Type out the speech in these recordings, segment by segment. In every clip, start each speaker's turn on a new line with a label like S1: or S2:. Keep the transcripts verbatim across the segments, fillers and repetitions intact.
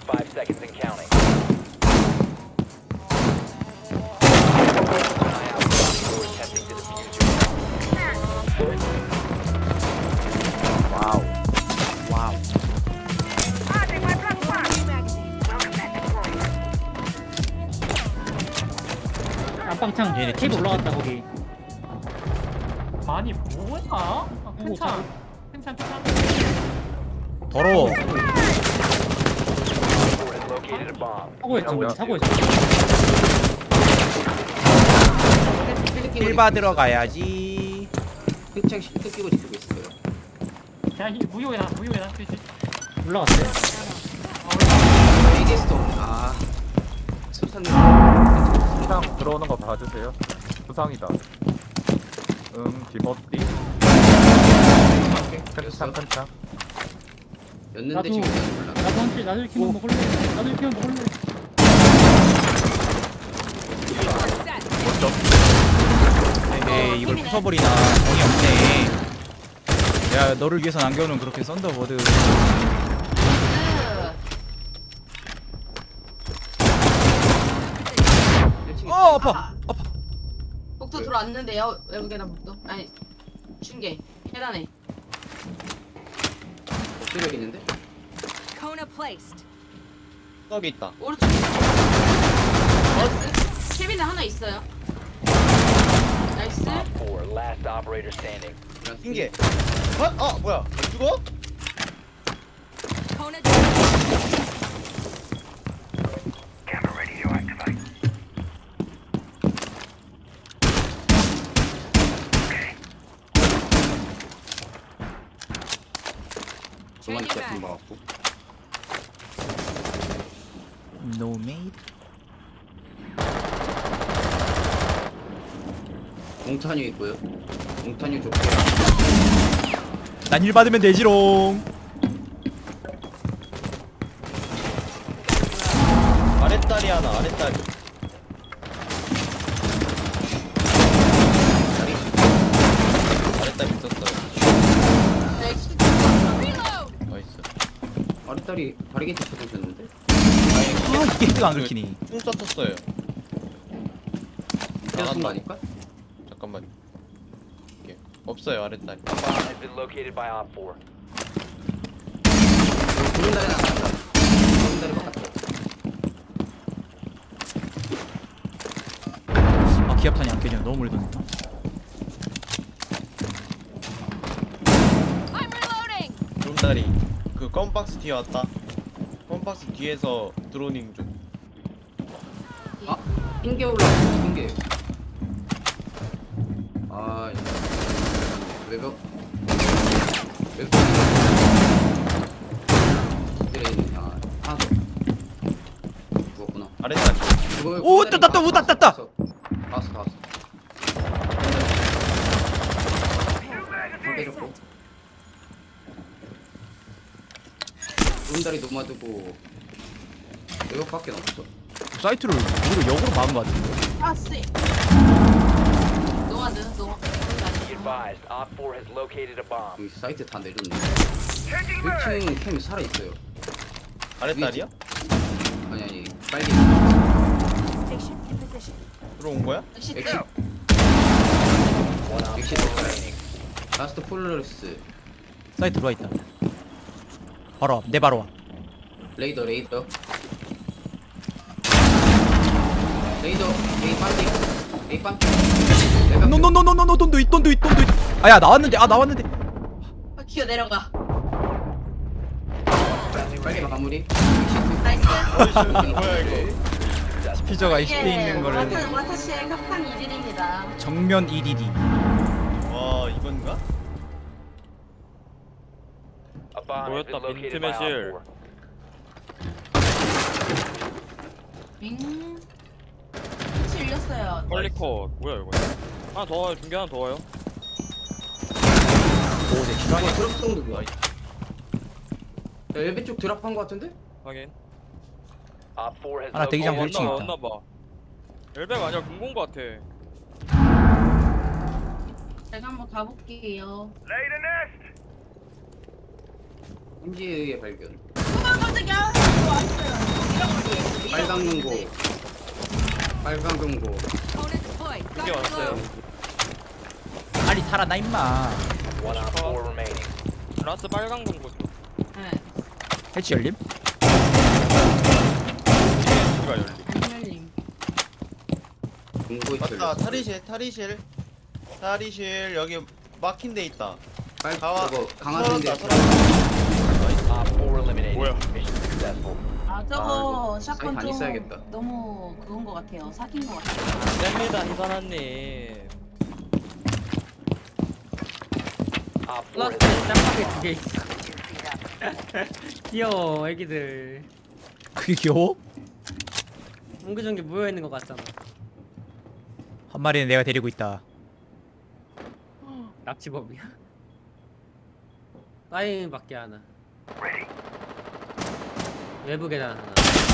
S1: Five seconds and counting.
S2: 와우. 와우.
S3: 안방창
S2: 얘네
S3: 테이블 올라갔다 거기.
S4: 아니 뭐야? 아, 괜찮 괜찮 괜찮.
S2: 더러워.
S1: Located a bomb.
S3: 사고에 있죠. 사고에 있죠.
S2: 힐 받으러 가야지.
S5: 흑창 실드 끼고 지키고 있어요.
S4: 야, 이 무효해라, 무효해라, 그렇지.
S3: 올라갔어요.
S5: 에이제스트 없네. 아, 습산네.
S6: 시장 들어오는 거 봐주세요. 부상이다. 응, 디버띠. 큰창, 큰창.
S5: 였는데
S3: 나도-
S5: 지금 몰라.
S3: 나도 한테 나도 이렇게만 먹을래. 나도 이렇게만 먹을래.
S2: 에이, 이걸 부숴버리나. 정이 없네. 야, 너를 위해서 남겨놓은 그렇게 썬더버드. 어, 아파. 아파.
S7: 복도 들어왔는데요. 외부 계단 복도. 아니 중계 계단에.
S5: 엎드려 있는데?
S8: Kona placed.
S9: 떡이 있다.
S7: 오른쪽. 나이스. 케빈에 하나 있어요. 나이스.
S1: Op four, last operator standing.
S9: 핑계. 어? 어 뭐야? 안 죽어?
S8: Kona.
S5: 중간 제품 먹었고.
S2: No mate.
S5: 몽타뉴 있고요. 몽타뉴 좋고.
S2: 난 힐 받으면 되지롱.
S9: 아랫다리 하나, 아랫다리. 아랫다리 있었어요.
S7: 나이스.
S9: 나이스.
S5: 아랫다리 다리게 쳐주셨는데?
S2: 아, 이게 헤드가 안 긁히니.
S9: 총 쐈었어요.
S5: 계속 쓴거 아닐까?
S9: 잠깐만. 이게 없어요, 아랫다리.
S1: Bomb has been located by Op four.
S5: 구른 다리 나간다. 구른 다리 바깥으로.
S2: 아, 기압탄이 안 깨지네. 너무 멀리 던졌다.
S8: I'm reloading.
S9: 드론다리. 그 껌박스 뒤에 왔다. 껌박스 뒤에서 드로닝 중.
S5: 아, 흰개 올라왔어. 흰개. 아, 이거. 외벽. 외벽. 엎드려 있는. 아, 하나 더. 죽었구나.
S9: 아랫다리.
S5: 그걸
S2: 오,
S5: 구른 다리
S2: 떴다, 떴다,
S5: 다
S2: 떴다, 떴다.
S5: 봤어. 봤어, 봤어. 한 빼줬고. 구른다리 노마드고 외벽밖에 없어.
S2: 사이트를 우리가 역으로 막은 것 같은데.
S7: 아 쎄. 노아드 노아.
S1: Be advised, Op four has located a bomb.
S5: 여기 사이트 다 내렸네. 일 층 캠이 살아있어요.
S9: 아랫다리야?
S5: 아니 아니 빨리
S8: Station in position.
S9: 들어온 거야?
S7: 역시
S5: 엑시
S1: One Op
S5: 엑시
S1: four remaining.
S5: 라스트 폴러스
S2: 사이트 들어와 있다. 바로 앞, 내 바로 앞.
S5: 레이더 레이더 레이더 레이 빨리 레이 빨리
S2: 노노노노노노 돈도 있 돈도 있 돈도 있. 아야 나왔는데 아 나왔는데.
S7: 아, 기어 내려가.
S5: 빨리 마무리.
S7: 나이스.
S9: 뭐야 이거?
S2: 스피저가 이십 대 있는 거를
S7: 와타 와타시의 협상 이딜입니다.
S2: 정면 이디디.
S9: 와 이건가?
S1: A bomb has been located by Op four.
S7: 윙. 끝이 열렸어요.
S10: 컬리커 뭐야 이거? 하나 더 와요. 중계 하나 더 와요.
S2: 오내 실화냐?
S5: 드랍성도 뭐야? 야, 엘베 쪽 드랍한 거 같은데?
S10: 확인.
S1: Op four has
S2: 하나 대기장
S1: located
S2: 펼치기
S10: 왔나
S2: 있다.
S10: 왔나 봐. 엘베가 아니라 공공 같아.
S7: 제가 한번 가볼게요.
S5: 엠지의 발견.
S7: 아 깜짝이야. 왔어요.
S5: 빨간 금고. 빨간 금고.
S8: Kona deployed.
S10: 이게 왔어요.
S2: 빨리 살아나 임마.
S1: One Op four remaining.
S10: 라스 빨간 공고죠.
S7: 네.
S2: 해치 열림?
S10: 가 열리.
S7: 안 열림.
S5: 금고 있어요.
S9: 맞다. 탈의실, 탈의실, 탈의실 여기 막힌 데 있다.
S5: 빨
S9: 가와.
S5: 저거 강화된데.
S9: 설었다, 설었다.
S1: Op four eliminated.
S10: 뭐야?
S1: Mission successful.
S7: 아 저거 샷건
S5: 사이트 안
S7: 좀
S5: 있어야겠다.
S7: 너무 그건 것 같아요. 사귄 것 같아요.
S10: 셉니다 희선아님.
S1: Op four
S3: 플라스틱
S1: has
S3: 짱하게 두 개 있어. 귀여워 애기들.
S2: 그게 귀여워?
S3: 옹기종기 모여 있는 것 같잖아.
S2: 한 마리는 내가 데리고 있다.
S3: 납치범이야. 사인 밖에 하나. 외부 계단 하나.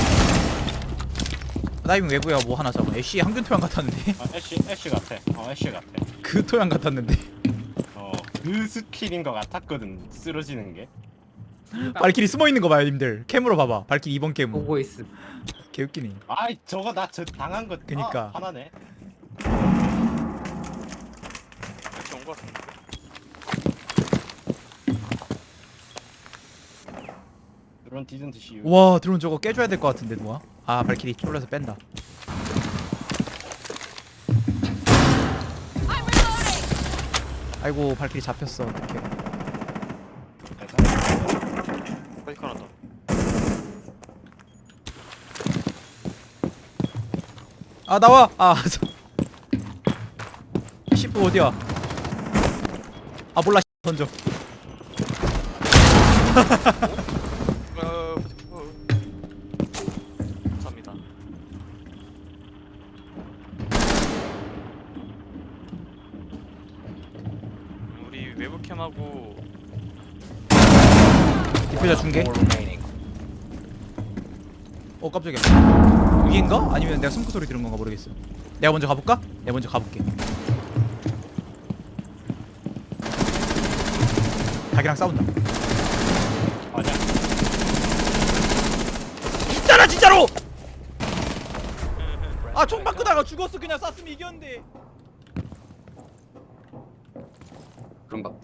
S2: 다이빙 외부야 뭐 하나 잡아. 애쉬 항균 토양 같았는데.
S11: 아, 애쉬 애쉬 같아. 어 애쉬 같아.
S2: 그 토양 같았는데.
S11: 어그 스킬인 것 같았거든. 쓰러지는 게.
S2: 발길이 숨어 있는 거 봐요, 님들. 캠으로 봐봐. 발길이 이번 캠.
S3: 보고 있음.
S2: 개웃기네.
S11: 아이 저거 나 저 당한 거.
S2: 그니까.
S11: 아, 하나네.
S10: 같이 온거 같은데.
S11: 드론 디즌트 씨.
S2: 와, 드론 저거 깨줘야 될 것 같은데 누가? 아, 발길이 쫄려서 뺀다.
S8: I'm reloading.
S2: 아이고, 발길이 잡혔어. 어떡해.
S10: 페이크 하나 더.
S2: 아, 나와. 아, 시프 어디야? 아, 몰라. 던져.
S10: 어, 어. 감사합니다. 우리 외부 캠하고
S2: 대표자 중계.
S1: four remaining.
S2: 어, 깜짝이야. 위인가? 아니면 내가 숨고 소리 들은 건가 모르겠어. 내가 먼저 가볼까? 내가 먼저 가볼게. 닭이랑 싸운다.
S11: 아니야.
S2: 있잖아 진짜로! 아, 총 바꾸다가 죽었어. 그냥 쐈으면 이겼는데.
S5: 그런갑다.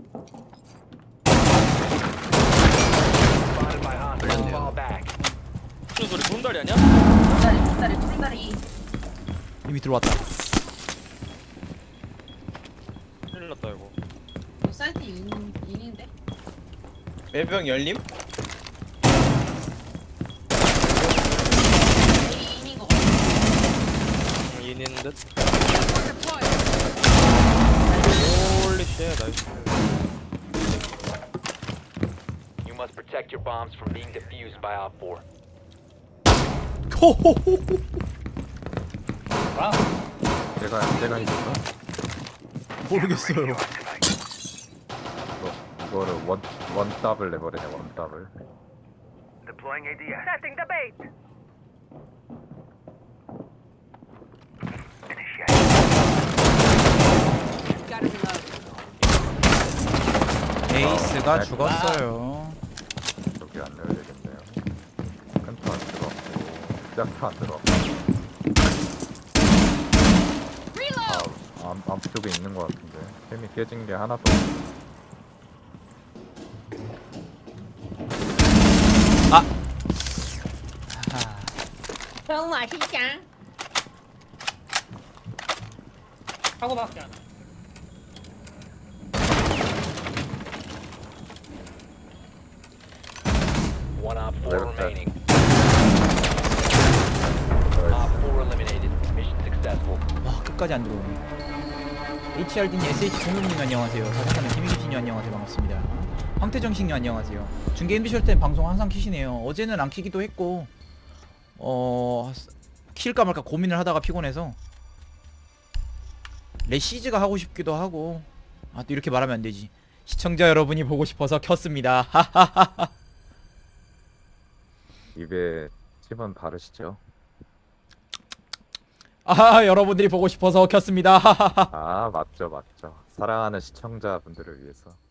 S1: Spotted by hostiles. Fall back.
S10: 무슨 소리 쏜다리 아니야?
S7: 두다리 두다리 두다리.
S2: 이미 들어왔다.
S10: 큰일 났다 이거.
S7: 사이트 인 인인데.
S9: 외병 열림?
S7: 인인 것 같아.
S10: 인인 듯.
S8: Kona deployed.
S10: 홀리 쉣 나이스.
S1: You must protect your bombs from being defused by Op four.
S2: 호호호호.
S6: 제가 제가 있을까?
S2: 모르겠어요.
S6: 이거 이거를 원 원 더블 내버리네 원 더블.
S8: Gotta reload.
S2: 에이스가 죽었어요.
S6: 여기 안 넣어야 되겠네요. 큰토 안 들어갔고 짝토 안 들어갔고.
S8: Reload.
S6: 아, 암, 암 쪽에 있는 것 같은데 템이 깨진 게 하나도 없네.
S2: 아.
S7: 너무 맛있다.
S3: 하고 밖에 안.
S1: One Op four
S6: Okay.
S1: remaining. Op four eliminated. Mission successful.
S2: 와, 끝까지 안 들어오네. 에이치알디님, 에스에이치 종국님 안녕하세요. 사장님 김희기씨님 안녕하세요. 반갑습니다. 황태정식님 안녕하세요. 중계 엠비쇼 때 방송 항상 키시네요. 어제는 안 키기도 했고 어... 킬까 말까 고민을 하다가 피곤해서 레시즈가 하고 싶기도 하고. 아, 또 이렇게 말하면 안 되지. 시청자 여러분이 보고 싶어서 켰습니다. 하하하하.
S6: 입에 침은 바르시죠?
S2: 아, 여러분들이 보고 싶어서 켰습니다. 하하하.
S6: 아 맞죠 맞죠. 사랑하는 시청자분들을 위해서.